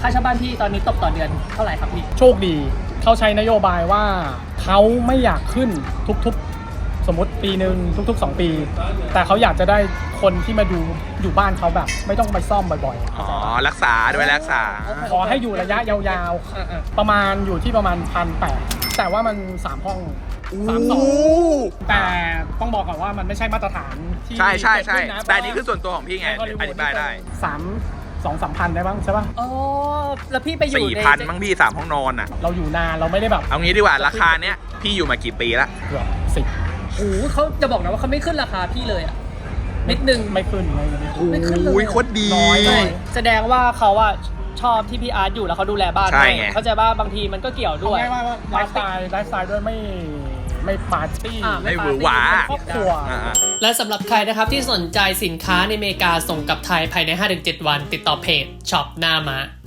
ค่าเช่าบ้านพี่ตอนนี้ตกต่อเดือนเท่าไหร่ครับพี่โชคดีเขาใช้นโยบายว่าเขาไม่อยากขึ้นทุกๆสมมติปีหนึ่งทุกๆ2 ปี แต่เขาอยากจะได้คนที่มาดูอยู่บ้านเขาแบบไม่ต้องไปซ่อมบ่อยๆอ๋อรักษาด้วยรักษาขอให้อยู่ระยะยาวๆประมาณอยู่ที่ประมาณ1,800แต่ว่ามัน3 ห้อง3-2แต่ต้องบอกก่อนว่ามันไม่ใช่มาตรฐานที่ใช่ใช่ใช่เกิดขึ้นนะแต่อันนี้คือส่วนตัวของพี่ไงอธิบายได้ 2-3 พันได้บ้างใช่ป่ะอ๋อแล้วพี่ไปอยู่ใน 4,000มั้งพี่3 ห้องนอนอ่ะเราอยู่นานเราไม่ได้แบบเอางี้ดีกว่าราคาเนี้ยพี่อยู่มากี่ปีละเกือบ10 โอ้โหเขาจะบอกนะว่าเขาไม่ขึ้นราคาพี่เลยอะนิดนึงไม่ขึ้นไม่ขึ้นเลยโอ้ยโคตรดีน้อยใช่แสดงว่าเขาอะชอบที่พี่อาร์ตอยู่แล้วเขาดูแลบ้านใช่ด้วยไงเข้าใจว่าบางทีมันก็เกี่ยวด้วยทำไงว่าไลฟ์สไตล์ด้วยไม่ปาร์ตี้ไม่หวือหวาครอบครัวอ่าและสำหรับใครนะครับที่สนใจสินค้าในอเมริกาส่งกลับไทยภายใน 5-7 วัน ติดต่อเพจช็อปหน้าม้า